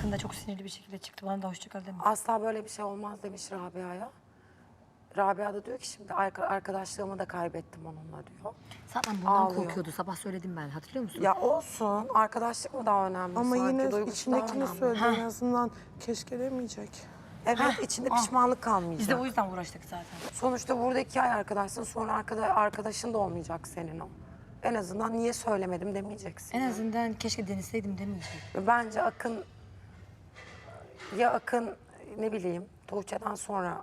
Akın da çok sinirli bir şekilde çıktı. Bana da hoşça kal demiş. Asla böyle bir şey olmaz demiş Rabia'ya. Rabia da diyor ki şimdi arkadaşlığımı da kaybettim onunla diyor. Zaten bundan Ağlıyor. korkuyordu. Sabah söyledim ben. Hatırlıyor musun? Ya olsun, arkadaşlık mı daha önemli Ama sanki, yine duygusu daha içindekini önemli. söyledi en azından keşke demeyecek. Evet, içinde pişmanlık kalmayacak. Biz de o yüzden uğraştık zaten. Sonuçta burada 2 ay arkadaşsın, sonra arkadaşın da olmayacak senin o. En azından niye söylemedim demeyeceksin. En azından keşke deneseydim demeyecek. Bence Akın, ne bileyim Tuğçe'den sonra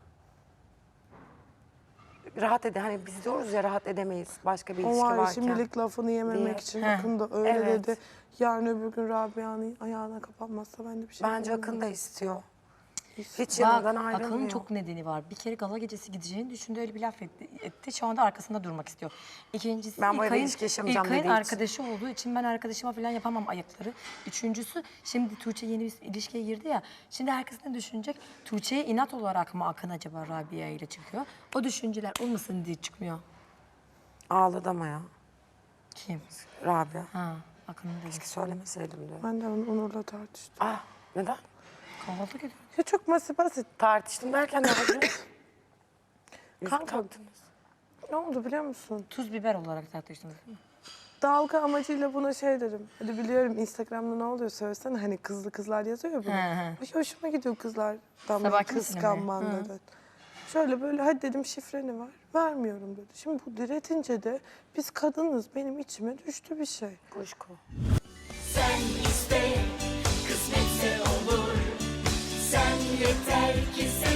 rahat hani biz diyoruz ya rahat edemeyiz başka bir O ilişki var ya varken. şimdilik lafını yememek diye. için Akın da öyle Evet. dedi. Yarın öbür gün Rabia'nın ayağına kapanmazsa ben de bir şey Bence yapamam. Akın da istiyor. Hiç Bak yanından ayrılmıyor. Akın'ın çok nedeni var. Bir kere gala gecesi gideceğini düşündü, öyle bir laf etti. Şu anda arkasında durmak istiyor. İkincisi Ben bu evde İlkay'ın- ilişki yaşamayacağım İlkay'ın dediği için. arkadaşı olduğu için ben arkadaşıma falan yapamam ayakları. Üçüncüsü şimdi Tuğçe yeni bir ilişkiye girdi ya. Şimdi herkes ne düşünecek? Tuğçe'ye inat olarak mı Akın acaba Rabia ile çıkıyor? O düşünceler olmasın diye çıkmıyor. Ağladı ama ya Kim? Rabia. Ha, Akın'ın değil. Keşke söylemeseydim diyor. Ben de Onur'la tartıştım. Ah, neden? Kahvaltı ediyor. Ya çok basit. Tartıştım derken ne oldu? Kanka Taktınız. ne oldu biliyor musun? Tuz biber olarak tartıştınız değil mi? Dalga amacıyla buna şey dedim. Hadi biliyorum Instagram'da ne oluyor söylesene. Hani kızlar yazıyor ya bunu. Hı. Ay, hoşuma gidiyor kızlardan böyle Sabahki misine mi? kıskanman dedi. Şöyle böyle hadi dedim şifreni ver. Vermiyorum dedi. Şimdi bu diretince de biz kadınız benim içime düştü bir şey. Kuşku. Sen iste, kısmetse olur. Sen yeter ki sen